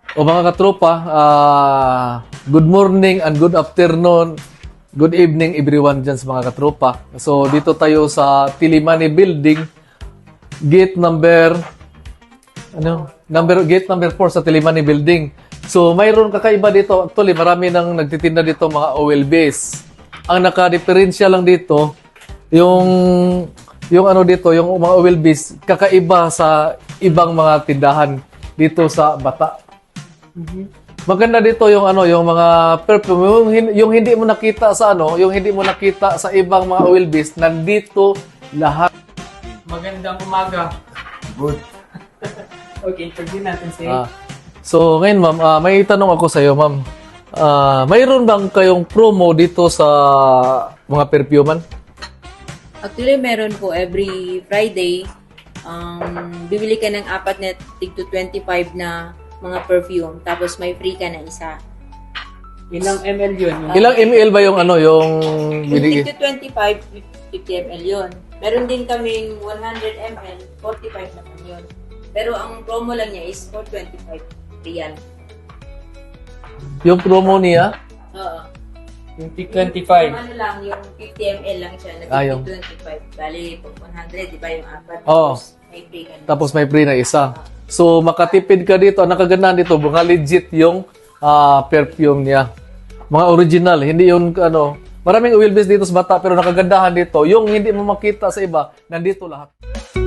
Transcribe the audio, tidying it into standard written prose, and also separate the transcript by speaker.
Speaker 1: O mga katropa, good morning and good afternoon, good evening everyone dyan sa mga katropa. So dito tayo sa Tilimani Building, gate number 4 sa Tilimani Building. So mayroon kakaiba dito. Actually, marami nang nagtitinda dito mga oil base. Ang naka-diferensya lang dito, yung mga oil base, kakaiba sa ibang mga tindahan dito sa Bata. Maganda dito yung mga perfume, yung hindi mo nakita sa yung hindi mo nakita sa ibang mga oil base, nandito lahat.
Speaker 2: Magandang umaga.
Speaker 1: Good.
Speaker 2: Okay, interview natin si
Speaker 1: So ngayon ma'am, may tanong ako sa iyo ma'am. Mayroon bang kayong promo dito sa mga perfuman?
Speaker 3: Actually, meron po every Friday. Bibili ka ng 4 na tig to 25 na mga perfume. Tapos may free ka na isa.
Speaker 2: ilang ml yun.
Speaker 1: Ilang ml ba yung yung
Speaker 3: Yung
Speaker 1: binigay?
Speaker 3: tig to 25, 50 ml yun. Meron din kaming 100 ml, 45 naman yun. Pero ang promo lang niya is for 25 real.
Speaker 1: Yung promo niya?
Speaker 3: Oo.
Speaker 2: Yung tig
Speaker 3: Yung
Speaker 2: 25.
Speaker 3: ano lang, yung 50 ml lang siya, na
Speaker 1: yung-
Speaker 3: 25. Bali, pag 100, di ba yung 4?
Speaker 1: Oo.
Speaker 3: May free ka na.
Speaker 1: Tapos may free na isa. So makatipid ka dito. Ang nakagandahan dito, mga legit yung perfume niya. Mga original, hindi yung maraming oil base dito sa Bata pero nakagandahan dito. Yung hindi mo makita sa iba, nandito lahat.